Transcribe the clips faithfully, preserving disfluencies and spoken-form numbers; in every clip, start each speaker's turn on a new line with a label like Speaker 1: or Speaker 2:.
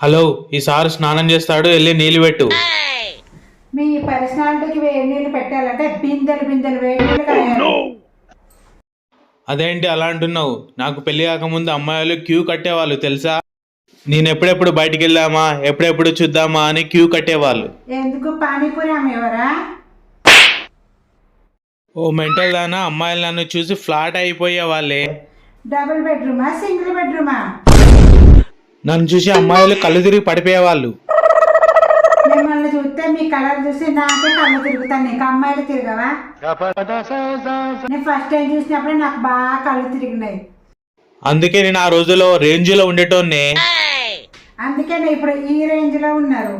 Speaker 1: Hello, ఈసారి స్నానం చేస్తాడు, వెళ్ళి నీళ్ళు పెట్టు.
Speaker 2: మీ పర్సనాలిటీకి వేడి నీళ్ళు పెట్టాలంటే బిందెలు బిందెలు వేడి నీళ్ళు కాయాలి.
Speaker 1: అదేంటి అలా అంటున్నావు? నాకు పెళ్లి కాకముందు అమ్మాయిలు క్యూ కట్టేవాళ్ళు తెలుసా? నేను ఎప్పుడెప్పుడు బయటికి వెళ్దామా, ఎప్పుడెప్పుడు చూద్దామా అని క్యూ కట్టేవాళ్ళు.
Speaker 2: ఎందుకు పానీపూరి అమ్మేవారా?
Speaker 1: ఓ మెంటల్ దానా, అమ్మాయిలు నన్ను చూసి ఫ్లాట్ అయిపోయే వాళ్ళే.
Speaker 2: డబుల్ బెడ్రూమా సింగిల్ బెడ్రూమా?
Speaker 1: నన్ను చూసి అమ్మాయిలు కళ్ళు తిరిగి పడిపోయేవాళ్ళు.
Speaker 2: మిమ్మల్ని చూస్తే మీ కలర్ చూసి నాకే కళ్ళు తిరుగుతాను, నీకు అమ్మాయిలు తిరగవా? నేను ఫస్ట్ టైం చూసినప్పుడే నాకు బాగా కళ్ళు తిరిగినాయి.
Speaker 1: అందుకే నేను ఆ రోజులో రేంజ్ లో ఉండేటోన్నే.
Speaker 2: అందుకే నేను ఇప్పుడు ఈ రేంజ్ లో ఉన్నారు.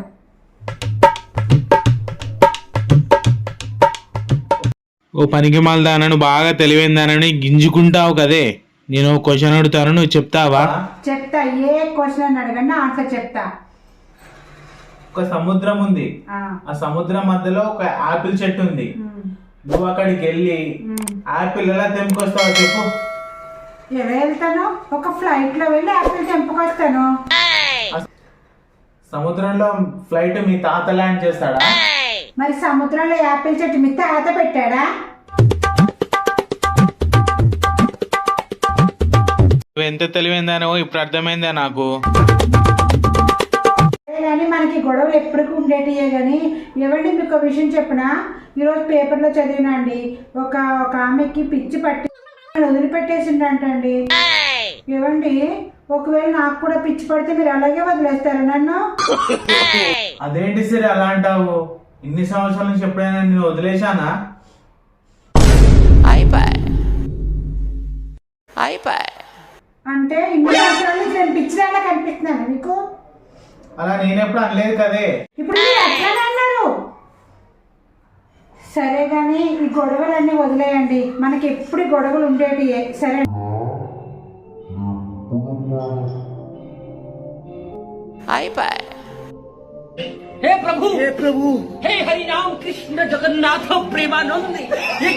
Speaker 1: ఓ పనికి మాలదానను బాగా తెలివైందానని గింజుకుంటావు కదే. నేను క్వశ్చన్ అడుగుతాను, నువ్వు చెప్తావా?
Speaker 2: చెప్తా, ఏ క్వశ్చన్ అడగండి ఆన్సర్ చెప్తా.
Speaker 1: ఒక సముద్రం ఉంది,
Speaker 2: ఆ,
Speaker 1: ఆ సముద్రం మధ్యలో ఒక ఆపిల్ చెట్టు ఉంది.
Speaker 2: ఉమ్,
Speaker 1: నువ్వు అక్కడికి వెళ్ళి
Speaker 2: ఉమ్.
Speaker 1: ఆపిల్ ఎలా తెంపుకొస్తావో చెప్పు.
Speaker 2: ఎలా వెళ్తాను? ఒక ఫ్లైట్ లో వెళ్ళి యాపిల్ తెంపుకొస్తాను.
Speaker 1: సముద్రంలో ఫ్లైట్ మీ తాత ల్యాండ్ చేస్తాడా?
Speaker 2: మరి సముద్రంలో యాపిల్ చెట్టు మీ తాత పెట్టాడా?
Speaker 1: నువ్వు ఎంత తెలివైందానో ఇప్పుడు అర్థమైందా నాకు.
Speaker 2: కానీ మనకి గొడవలు ఎప్పటికీ ఉండేటియే. కానీ ఏమండి మీకు ఒక విషయం చెప్పిన, ఈరోజు పేపర్లో చదివినా అండి, ఒక ఒక ఆమెకి పిచ్చి పట్టి వదిలిపెట్టేసిండంటండి. ఏమండి, ఒకవేళ నాకు కూడా పిచ్చి పడితే మీరు అలాగే వదిలేస్తారా నన్ను?
Speaker 1: అదేంటి సరే అలా అంటావు? ఇన్ని సంవత్సరాల నుంచి ఎప్పుడైనా నేను వదిలేశానా?
Speaker 2: అంటే ఇన్ని సంవత్సరాల నుంచి నేను పిచ్చిదాకా కనిపిస్తున్నాను మీకు?
Speaker 1: అలా నేనెప్పుడు అనలేదు కదే.
Speaker 2: ఇప్పుడు మీరు అట్లానే అన్నారు. సరే కానీ ఈ గొడవలన్నీ వదిలేయండి, మనకి ఎప్పుడు గొడవలు ఉండేటియే. సరే
Speaker 3: हे प्रभु हे प्रभु हे हरि राम कृष्ण जगन्नाथ प्रेमानंद